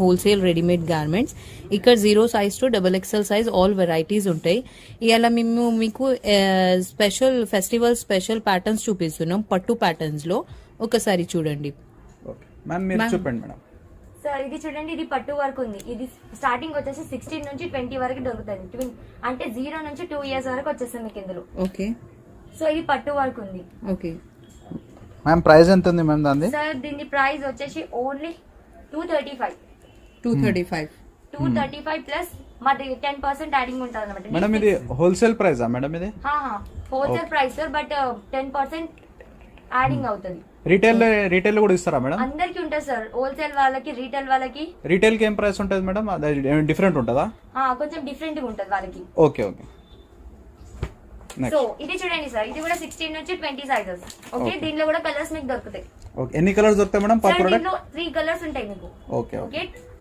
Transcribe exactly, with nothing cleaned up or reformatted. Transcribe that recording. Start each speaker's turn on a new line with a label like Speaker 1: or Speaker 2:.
Speaker 1: Wholesale readymade garments. ఇక్కడ zero size to double XL size all varieties ఉంటాయి. ఇవాళ మేము మీకు స్పెషల్ ఫెస్టివల్ స్పెషల్ ప్యాటర్న్స్ చూపిస్తున్నాం పట్టు ప్యాటర్న్స్ లో. ఒకసారి చూడండి
Speaker 2: మ్యామ్, మీరు చెప్పండి మేడం.
Speaker 3: సార్ ఇది చూడండి, ఇది పట్టు వర్క్ ఉంది. ఇది స్టార్టింగ్ వచ్చేసి సిక్స్టీన్ నుంచి ట్వంటీ వరకు దొరుకుతుంది. ట్విన్ అంటే జీరో నుంచి టూ ఇయర్స్ వరకు వచ్చేస్తుంది మీకు ఇందులో.
Speaker 1: ఓకే,
Speaker 3: సో ఇది పట్టు వర్క్ ఉంది.
Speaker 1: ఓకే
Speaker 2: మ్యామ్, ప్రైస్ ఎంత ఉంది మ్యామ్ దాన్ని?
Speaker 3: సార్ దీని ప్రైస్ వచ్చేసి only two thirty five
Speaker 1: two thirty five
Speaker 3: two thirty five plus మాది టెన్ పర్సెంట్ యాడింగ్ ఉంటుంది అనమాట.
Speaker 2: మేడం ఇది హోల్సేల్ ప్రైజా మేడం? ఇది
Speaker 3: wholesale price sir, but ten percent adding అవుతుంది.
Speaker 2: రీటైల్ రీటైల్ కూడా ఇస్తారా మేడం?
Speaker 3: అందరికి ఉంటుంది సార్, హోల్సేల్ వాళ్ళకి రీటైల్ వాళ్ళకి.
Speaker 2: రీటైల్ కి ఏం ప్రైస్ ఉంటుంది మేడం? డిఫరెంట్ ఉంటుందా?
Speaker 3: కొంచెం డిఫరెంట్ గా ఉంటుంది వాళ్ళకి.
Speaker 2: Okay okay.
Speaker 3: సో ఇది చూడండి సార్, ఇది కూడా సిక్స్టీన్ నుంచి ట్వంటీ సైజెస్. ఓకే, దీనిలో కూడా కలర్స్ మీకు దొరుకుతాయి.
Speaker 2: ఓకే, ఎన్ని కలర్స్ దొరుకుతాయి మేడం పర్ ప్రోడక్ట్?
Speaker 3: దీనిలో త్రీ కలర్స్ ఉంటాయి మీకు.
Speaker 2: Okay okay.